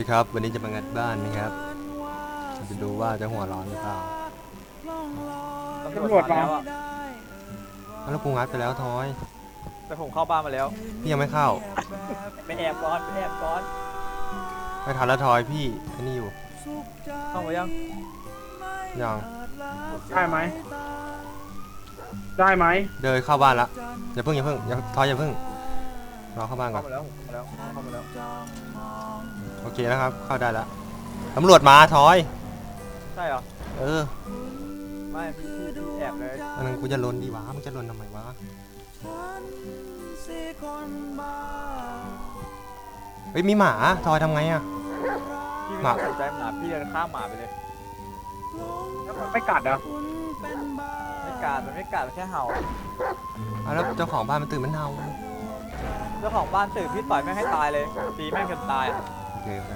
ดีครับวันนี้จะมางัดบ้านนะครับจะดูว่าจะหัวร้อนหรือเปล่าตำรวจมาแล้วอะแล้วกูงัดไปแล้วทอยแต่ผมเข้าบ้านมาแล้วพี่ยังไม่เข้าไปแอบก่อนไปแอบก่อนไม่ทันแล้วทอยพี่ไอ้นี่อยู่เข้ามายังยังได้ไหมได้ไหมเดินเข้าบ้านละอย่าเพิ่งทอยอย่าเพิ่งรอเข้าบ้านก่เข้าอนมาแล้วเข้ามาแล้วโอเคนะครับ เข้าได้แล้วตำรวจมาทอยใช่เหรอเออไม่พี่แอบเลยอันนั้นกูจะลนดีวะมึงจะลนทำไมวะเฮ้ยมีหมาทอยทำไงอะพี่หมาไม่สนใจหมาพี่เดินข้ามหมาไปเลยแล้วมันไม่กัดเหรอ่ะไม่กัดมันไม่กัดมันแค่เห่าแล้วเจ้าของบ้านมันตื่นมันเน่าเจ้าของบ้านตื่นพี่ต่อยแม่งให้ตายเลยตีแม่งจนตายอะโอเคโอเค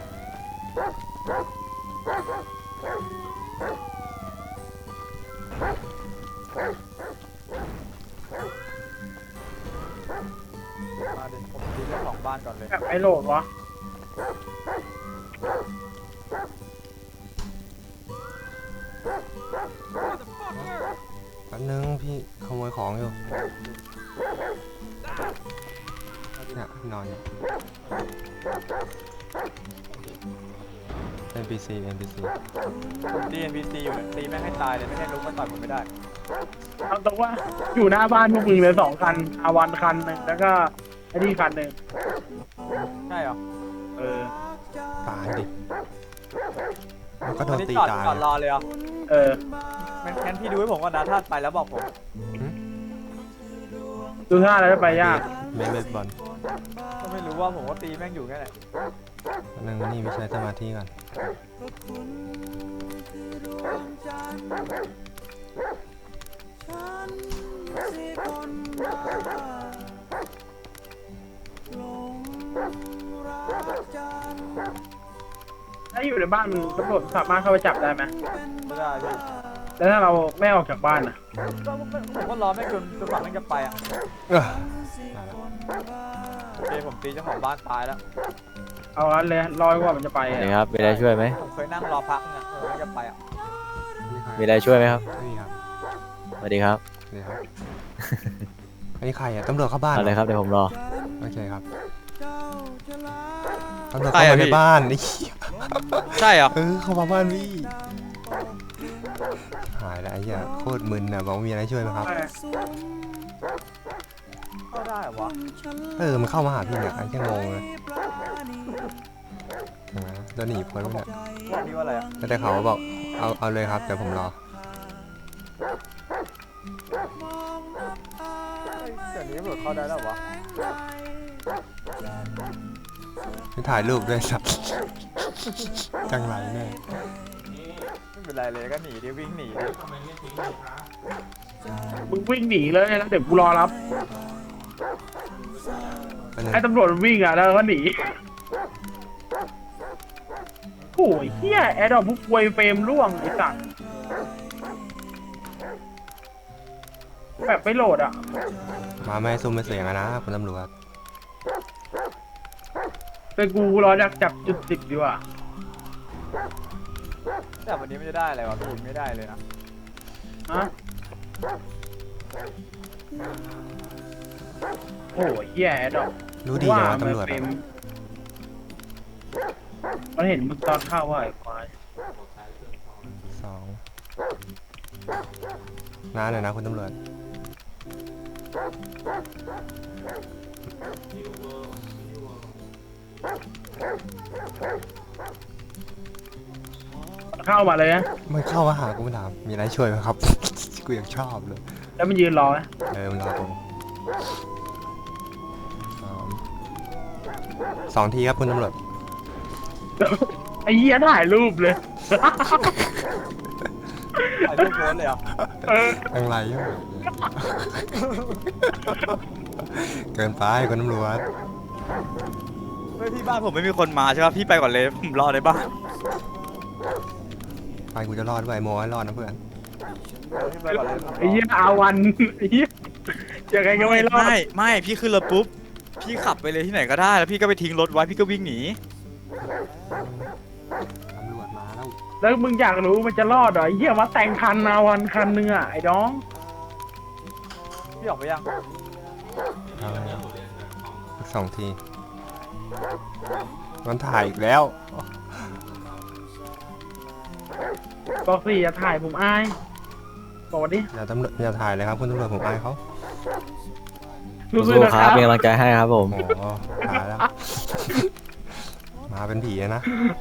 มาดิผมตีเจ้าของบ้านก่อนเลยแบบไอ้โหลดวะแป๊บนึงพี่ขโมยของอยู่เนี่ยนอนอยู่ NPC ผมตี NPC อยู่เนี่ยตีแม่งให้ตายเลยไม่ให้ลุกมาต่อยผมไม่ได้เอาตรงว่าอยู่หน้าบ้านพวกมึงเลย2 คันอาวันคันหนึ่งแล้วก็ไอ้นี่คันหนึ่งใช่เหรอเออตายดิมันก็โดวันนนี้ตีจอดตายจอดรอเลยเหรอเอองั้นพี่ดูให้ผมก่อนนะถ้าไปแล้วบอกผมดูท่าแล้วจะไปยากเบสบอลก็ไม่รู้ว่าผมก็ตีแม่งอยู่แค่ไหนนึงนี่ไม่ใช้สมาธิก่อนถ้าอยู่ในบ้านมึงตำรวจสามารถเข้าไปจับได้ไหมไม่ได้พี่แล้วถ้าเราไม่ออกจากบ้านอ่ะก็ผมก็รอแม่งจนกว่าแม่งจะไปอ่ะเออได้แล้วโอเคผมตีเจ้าของบ้านตายแล้วเอางั้นเลยรอจนกว่ามันจะไปสวัอะสดีครับมีอะไรช่วยไหมผมเคยนั่งรอพักเนี่ยแม่งจะไปอ่ะมีอะไรช่วยไหมครับไม่มีครับสวัสดีครับเดี๋ยวครับอันนี้ใครอ่ะตำรวจเข้าบ้านเอาเลยครับเดี๋ยวผมรอโอเคครับตำรวจเข้ามาในบ้านนี่ใช่เหรอเข้ามาบ้านพี่หายแล้วไอ้เหี้ยโคตรมึนนะบอกว่ามีอะไรช่วยไหมครับเข้าได้เหรอวะมันเข้ามาหาพี่เนี่ยไอ้เหี้ยังงงเลยเห็นไหมจะหนีพ้นไหมเนี่ยวันนี้ว่าอะไรอ่ะแล้วแต่เขาบอกเอาเลยครับเดี๋ยวผมรอเดี๋ยวนี้เปิดเข้าได้แล้ววะไม่ถ่ายรูปด้วยสัตว์จังไรแน่ไม่เป็นไรเลยก็หนีดิวิ่งหนีดิมึงวิ่งหนีเลยแล้วเดี๋ยวกูรอรับเป็นไงให้ตำรวจมันวิ่งอ่ะแล้วก็หนีโอ้ยเฮียแอดดอกพวกควยเฟรมร่วงไอ้สัสแบบไม่โหลดอ่ะมาไม่ให้ซุ่มไม่เสียงอะนะคุณตำรวจเป็นกูรอจากจับจุด10ดีกว่าแต่วันนี้ไม่ได้อะไรวะพี่ไม่ได้เลยนะฮะโอ้ยเฮียแอดดอกรู้ดีนะว่าตำรวจเฟรอะมมันเห็นมึงตอนเข้าว่าไอ้ควาย 2น้าหน่อยนะคุณตำรวจเข้ามาเลยนะไม่เข้ามาหากูมาถามมีอะไรช่วยไหมครับ กูยังชอบเลยแล้วมันยืนรอนะมันรอผมสองทีครับคุณตำรวจไอ้เหี้ยถ่ายรูปเลยถ่ายรูปโพสเลยเหรอเออจังไรอยู่เกินไปคุณตำรวจเฮ้ยที่บ้านผมไม่มีคนมาใช่ป่ะพี่ไปก่อนเลยผมรอในบ้านไปกูจะรอดด้วยโมให้รอดนะเพื่อนพี่ไปก่อนเลยไอ้เหี้ยอาวันไอ้เหี้ยยังไงก็ไม่รอดไม่พี่ขึ้นรถปุ๊บพี่ขับไปเลยที่ไหนก็ได้แล้วพี่ก็ไปทิ้งรถไว้พี่ก็วิ่งหนีแล้วมึงอยากรู้มันจะรอดเหรอไอ้เหี้ยมาแต่งคันนาวันคันนึงอ่ะไอ้น้องพี่ออกไปยังเอาแล้วสัก2 ทีมันถ่ายอีกแล้วบอกสิอย่าถ่ายผมอายบอกดิอย่าตำรวจอย่าถ่ายเลยครับคุณตำรวจผมอายเขารู้สึกสู้นะๆคครัรับบ เป็นกำลังใจให้ครับผมโอ้โหถ่ายแล้ว มาเป็นผีเลยนะ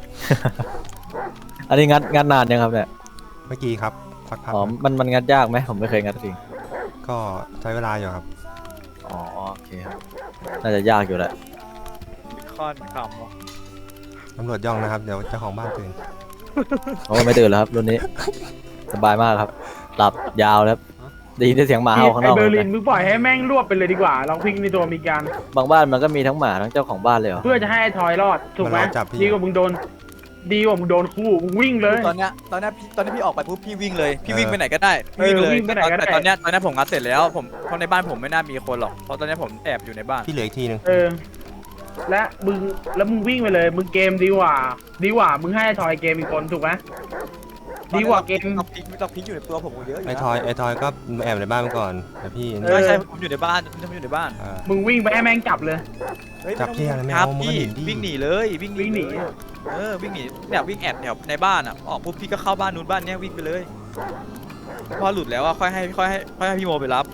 อันนี้งัดนานยังครับเนี่ยเมื่อกี้ครับสักพักอ๋อนะมันงัดยากไหมผมไม่เคยงัดจริงก็ใช้เวลาอยู่ครับอ๋อโอเคครับน่าจะยากอยู่แหละคอนขำวะตำรวจย่องนะครับ เดี๋ยวเจ้าของบ้านตื่นโอ้ไม่ตื่นแล้วครับรุ่นนี้ สบายมากครับ หลับยาวแล้วได้ยินเสียงหมาเห่าข้างนไอ้อกเบอร์ลินมึงปล่อยให้แม่งรวบไปเลยดีกว่าลองพิงในตัวมีการบางบ้านมันก็มีทั้งหมาทั้งเจ้าของบ้านเลยเหรอเพื่อจะให้ไอ้ทอยรอดถูกไหมมันรอจับพี่ดีกว่ามึงโดนคู่มึงวิ่งเลยตอนเนี้ยพี่ออกไปปุ๊บพี่วิ่งเลยพี่วิ่งไปไหนก็ได้พี่วิ่งเลยวิ่งไปไหนก็ได้แต่ตอนเนี้ยผมงัดเสร็จแล้วผมเพราะในบ้านผมไม่น่ามีคนหรอกเพราะตอนเนี้ยผมแอบอยู่ในบ้านพี่เหลืออีกทีหนึงและมึงวิ่งไปเลยมึงเกมดีกว่ามึงให้ไอ้ทอยเกมอีกคนถูกไหมดีกว่าเกมต้องพลิกอยู่ในตัวผมเยอะอยู่ไอ้นะทอยก็แอบในบ้านมาก่อนแต่พี่เออใช่ผมอยู่ในบ้านผมอยู่ในบ้านเออมึงวิ่งไปให้แม่งจับเลยฮ้ยจับเหี้ยอะไรไม่ครับเอามึงก็พี่หนีดิวิ่งหนีเลยวิ่งหนีวิ่งหนีเลยวิ่งหนีเนี่ยวิ่งแอบแถวในบ้านอ่ะออกปุ๊บพี่ก็เข้าบ้านนู้นบ้านเนี้ยวิ่งไปเลยพอหลุดแล้วอ่ะค่อยให้พี่โมไปรับ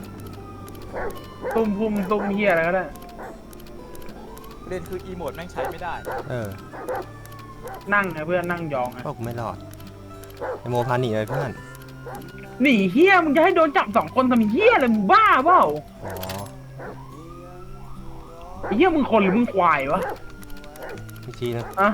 ตุ้มเฮียอะไรก็ได้เล่นคืออีโมดแม่งใช้ไม่ได้เออนั่งไงเพื่อนนั่งยองไงก็กูไม่รอดไอโมพาหนีเลยเพื่อนหนีเฮียมึงจะให้โดนจับ2 คนทำเฮียอะไรมึงบ้าเปล่าอ๋อไอ้เฮียมึงคนหรือมึงควายวะพี่ชี้นะอ่ะ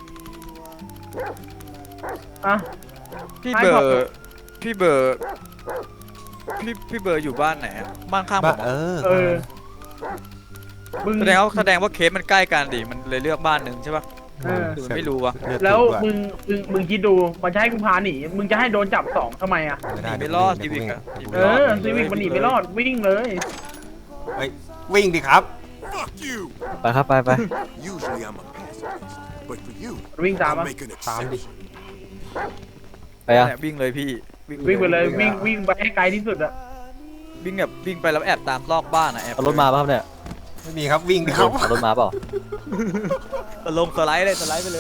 อ่ะพี่ให้เบอขอบคุณร์พี่เบอร์พี่เบอร์อยู่บ้านไหนอะบ้านข้างผบ้ามอะเออมึงแสดงว่าเคสมันใกล้กันดิมันเลยเลือกบ้านหนึ่งใช่ปะเออหรือไม่รู้วะเลือดแล้วติดด้วยมึงคิดดูมันจะให้กูพาหนีมึงจะให้โดนจับ2ทำไมอ่ะไม่หนีได้ไม่รอดเดี๋ซียววิกวิ่งอะเออซีวิกมันหนีไม่รอดวิ่งเลยเฮ้ยวิ่งดิครับ Fuck you! ไปครับไป Usually I'm a pacifist, but for you, วิ่งตาม I'll อ่ะ make an ตามดิ exception. ไปอ่ะเนี่ยวิ่งเลยพี่วิ่งไปเลยวิ่งไปให้ไกลที่สุดอ่ะวิ่งแบบวิ่งไปแล้วแอบตามลอกบ้านอะแอบเอารถมาป่ะครับเนี่ยไม่มีครับวิ่งดิครับเอารถมาเปล่าลงสไลด์เลยสไลด์ไปเลย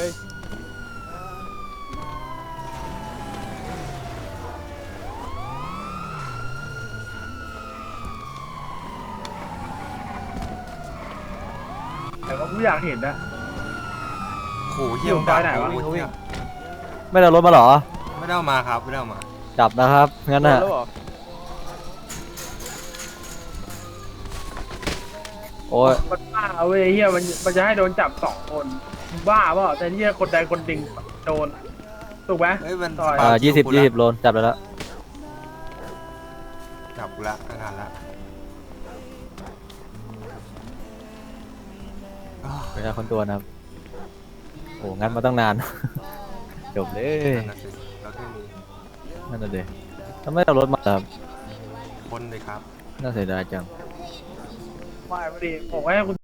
แต่ว่ากูอยากเห็นนะโอ้โหเยี่ยมอยู่ซอยไหนวะโอ้โเหี้ยไม่ได้เอารถมาเหรอไม่ได้เอามาครับไม่ได้เอามาจับนะครับงั้นน่ะแล้วเหรอโอ้ยมันบ้าเว้ยเฮียมันจะให้โดนจับ2 คนมึงบ้าเปล่าแต่เฮียคนใดคนหนึ่งโดนถูกไหมเฮ้ยมันต่อย 20 โลนจับไปแล้วจับกูละอาการละไม่ใช่คนตัวนะครับโอ้งั้นมาตั้งนาน จบเลยนั่นน่ะสิเราแค่นี้นั่นน่ะเด็ทำไมเอารถมาครับคนเลยครับน่าเสียดายจังไม่พอดีผมให้คุณ